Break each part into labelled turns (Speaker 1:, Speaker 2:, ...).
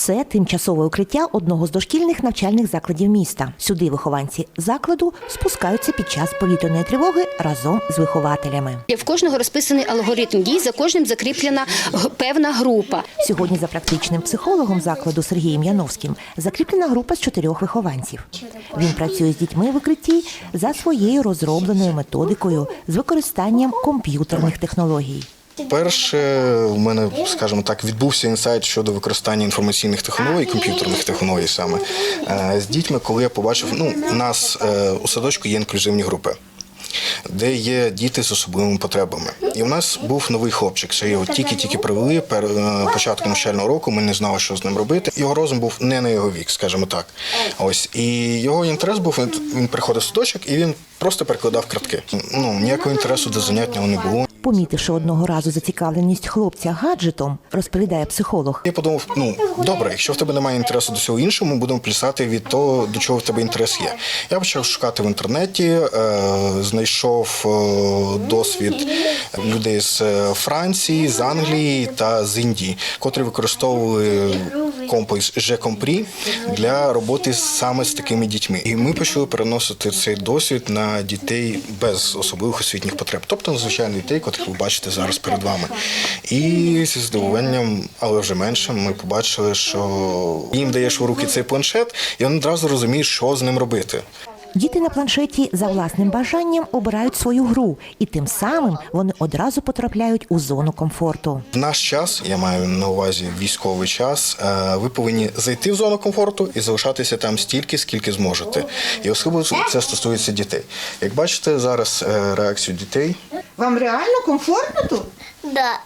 Speaker 1: Це тимчасове укриття одного з дошкільних навчальних закладів міста. Сюди вихованці закладу спускаються під час повітряної тривоги разом з вихователями.
Speaker 2: В кожного розписаний алгоритм дій, за кожним закріплена певна група.
Speaker 1: Сьогодні за практичним психологом закладу Сергієм Яновським закріплена група з 4 вихованців. Він працює з дітьми в укритті за своєю розробленою методикою з використанням комп'ютерних технологій.
Speaker 3: Перше, у мене, скажімо так, відбувся інсайт щодо використання інформаційних технологій, комп'ютерних технологій саме, з дітьми, коли я побачив, у нас у садочку є інклюзивні групи, де є діти з особливими потребами. І у нас був новий хлопчик, що його тільки-тільки привели, початку навчального року, ми не знали, що з ним робити. Його розум був не на його вік, скажімо так. Ось. І його інтерес був, він приходив в садочок і він просто перекладав картки. Ніякого інтересу до занять в нього не було.
Speaker 1: Помітивши одного разу зацікавленість хлопця гаджетом, розповідає психолог.
Speaker 3: Я подумав, добре, якщо в тебе немає інтересу до всього іншого, ми будемо плясати від того, до чого в тебе інтерес є. Я почав шукати в інтернеті, знайшов досвід людей з Франції, з Англії та з Індії, котрі використовували комплекс G-Compris для роботи саме з такими дітьми. І ми почали переносити цей досвід на дітей без особливих освітніх потреб, тобто на звичайних дітей, котрих ви бачите зараз перед вами. І зі здивуванням, але вже меншим, ми побачили, що їм даєш в руки цей планшет, і вони одразу розуміють, що з ним робити.
Speaker 1: Діти на планшеті за власним бажанням обирають свою гру, і тим самим вони одразу потрапляють у зону комфорту.
Speaker 3: В наш час, я маю на увазі військовий час, ви повинні зайти в зону комфорту і залишатися там стільки, скільки зможете. І особливо це стосується дітей. Як бачите зараз реакцію дітей.
Speaker 4: Вам реально комфортно тут?
Speaker 5: Да.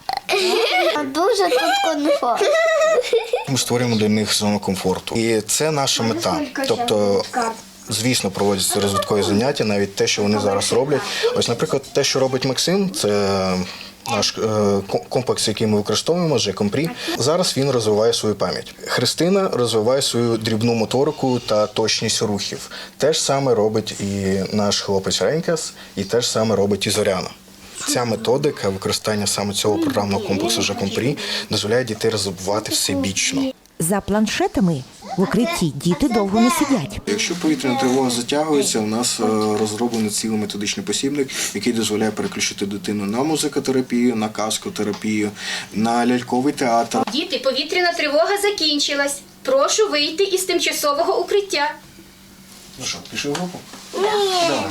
Speaker 5: Дуже тут комфортно.
Speaker 3: Ми створюємо для них зону комфорту. І це наша мета. Тобто, звісно, проводяться розвиткові заняття, навіть те, що вони зараз роблять. Ось, наприклад, те, що робить Максим, це наш комплекс, який ми використовуємо, G-Compris. Зараз він розвиває свою пам'ять. Христина розвиває свою дрібну моторику та точність рухів. Те ж саме робить і наш хлопець Ренькас, і те ж саме робить і Зоряна. Ця методика використання саме цього програмного комплексу G-Compris дозволяє дітей розвивати всебічно.
Speaker 1: За планшетами в укритті діти довго не сидять.
Speaker 3: Якщо повітряна тривога затягується, у нас розроблений цілий методичний посібник, який дозволяє переключити дитину на музикотерапію, на казкотерапію, на ляльковий театр.
Speaker 2: Діти, повітряна тривога закінчилась. Прошу вийти із тимчасового укриття.
Speaker 3: Ну що, пішли в групу? Давай.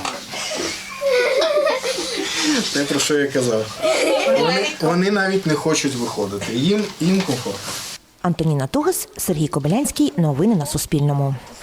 Speaker 3: Те, про що я казав. Вони навіть не хочуть виходити. Їм комфортно.
Speaker 1: Антоніна Тугас, Сергій Кобилянський. Новини на Суспільному.